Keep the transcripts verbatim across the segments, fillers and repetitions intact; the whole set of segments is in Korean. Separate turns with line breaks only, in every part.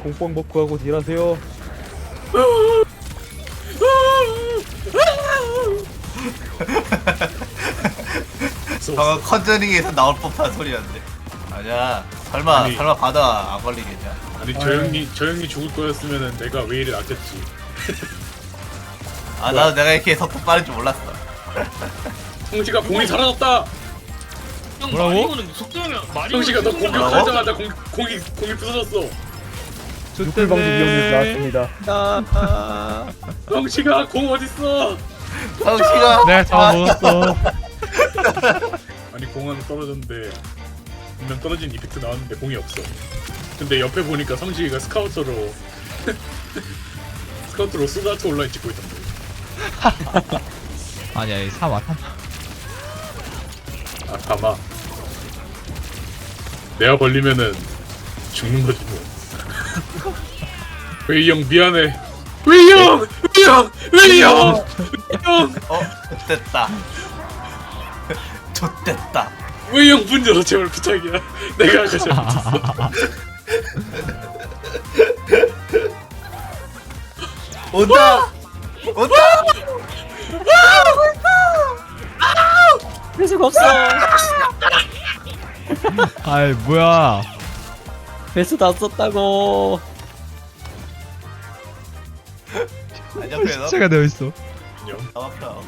공뽕 먹고 딜하세요.
방금 컨저링에서 나올 법한 소리였는데. 아니야. 설마
아니.
설마 바다 안 걸리겠냐?
아니 저 형이 저 형이 죽을 거였으면은 내가 왜 이리 낫겠지.
아 나도 내가 이렇게 속도 빠른 줄 몰랐어.
성시가 공이 사라졌다.
형
뭐라고?
마리오는 속도면 마리오
성시가 너
뭐라고?
공격하자마자 공 공이 공이 부서졌어.
육불 방지 위험에서 나왔습니다.
성시가 공 어딨어?
성씨가
내가 잡아먹었어.
아니 공 하나 떨어졌는데 분명 떨어진 이펙트 나왔는데 공이 없어. 근데 옆에 보니까 성시가 스카우터로 스카우터로 소드아트 온라인 찍고 있던데.
아니야 이 사마 사마.
아 가마. 내가 걸리면은 죽는 거지 뭐. 웨이 형 미안해. 웨이 형! 웨이 형! 웨이 형! 형!
어 좋됐다. 좋됐다.
웨이 형 문 열어 제발 부탁이야. 내가 아까 잘못했어.
온다. 온다.
회수가 없어.
아이 뭐야?
회수 다 썼다고.
안 옆에 너.
시체가 되어 있어.
안녕.
나 막혀.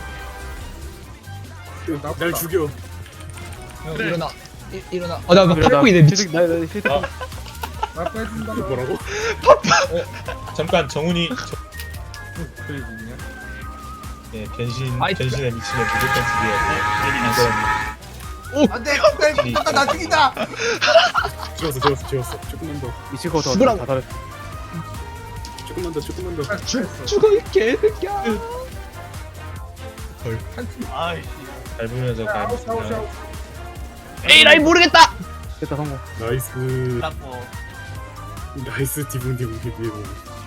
날 죽여.
형 일어나. 일, 일어나. 어나 나 팔고 있네 미친.
나, 나, 나,
뭐라고?
잠깐 정훈이 예 변신
아이,
변신에 미치면 무조건 죽여야 돼.
안돼. 빨리 아까 나 죽인다.
지웠어 지웠어 지웠어. 조금만 더.
미칠 거 더,
죽으라고.
다 다르.
조금만 더 조금만 더.
죽어 이 개새끼야.
아이씨.
밟으면서 가면
에이 라이 모르겠다.
됐다, 성공.
나이스.
라고.
나이스 디붕 디붕 디붕.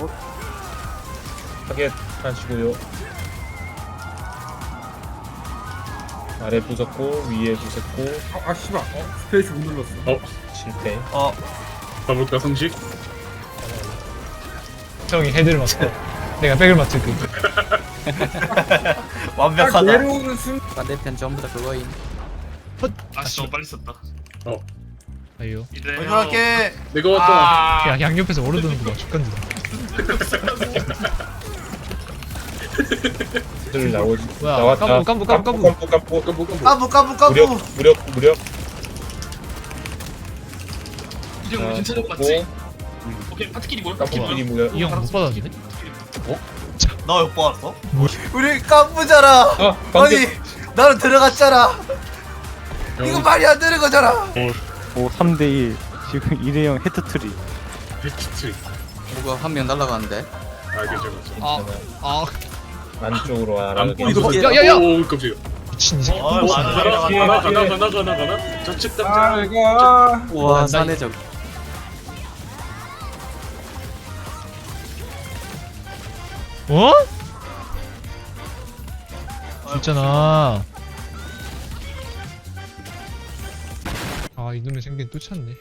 타겟 하시고요. 아래 부쉈고 위에 부쉈고
아 씨발 어? 스페이스 못 눌렀어.
어?
실패.
어.
가볼까 성식?
형이 헤드를 맞고 내가 백을 맞출게.
딱
완벽하다.
내려오는 순
반대편 전부 다 그거임.
아씨 너무 빨리 썼다
아유.
이제
먼저 갈게.
내가 왔다.
야 양옆에서 오르드는 거 봐. 죽간다.
들 나오지.
뭐야?
나왔다.
깜부, 깜부, 깜부,
깜부 깜부 깜부.
까부 까부 까부.
무력 무력 무력.
이제 우리 괜찮은 거 맞지? 오케이 파트끼리 뭐야?
깜부끼리 무력.
이 형 못 받아주네?
너 왜 뽑았어?
뭐?
우리 까부잖아.
아 방금
아니 나는 들어갔잖아. 이거 말이 안 되는 거잖아.
오, 삼 대 일. 지금 일회용 헤트트리.
배치트.
뭐가 한 명 날라가는데.
아 괜찮아 괜찮아.
아, 아
안쪽으로
안
알아가게.
보이도
야, 야, 야!
오 깜짝이야.
미친 이 새끼.
어,
뭐
맞아.
가나 가나 가나 가나 가나 가나. 좌측
아
담장.
이거
우와
나
사내적.
어? 있잖아. 아 이놈의 생긴 또 찼네.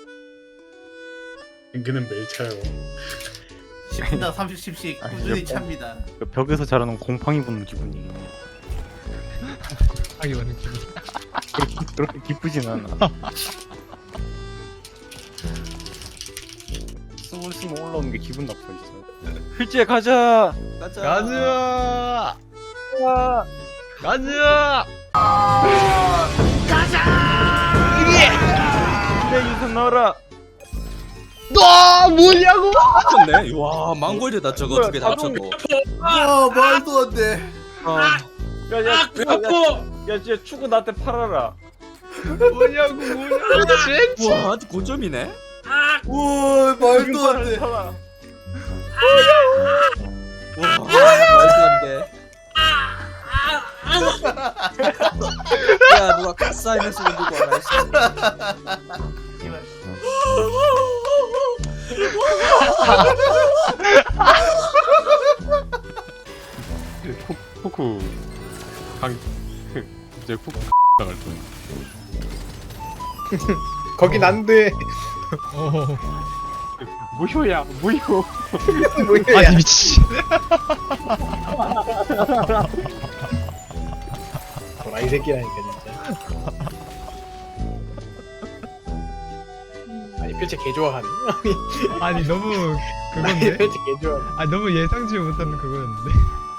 인기는 매일 차요.
십 분당 삼십 씩씩 꾸준히 찹니다.
그 벽에서 자라는 곰팡이 보는 기분이.
하기 많은 기분.
그렇게, 그렇게 기쁘진 않아. 스물스물 올라오는 게 기분 나빠, 진짜. 필지에 가자!
가자.
가즈아. 가즈아.
내 유선 넣어라!
너 뭐냐고?
네. 와 망골드다 저거 두 개 다 합쳐도.
와 말도 안 돼.
야, 야,
배 아파.
야, 진짜 축구 나한테 팔아라.
뭐냐고 뭐냐고 진짜.
와 아주 고점이네.
와 말도 안 돼.
팔아.
와 말도 안 돼. 야 누가 카사인을 쓰고 누구 알아 있어.
포크. 방, 이제 포크 나갈 거야.
거긴 안 돼.
어.
무효야 무효.
아니 미치.
도라이 새끼라니까 진짜. 아니 필체 개 좋아하네.
아니 너무
아니
그건데.
필체 개 좋아하네.
아 너무 예상치 못한 그거였는데.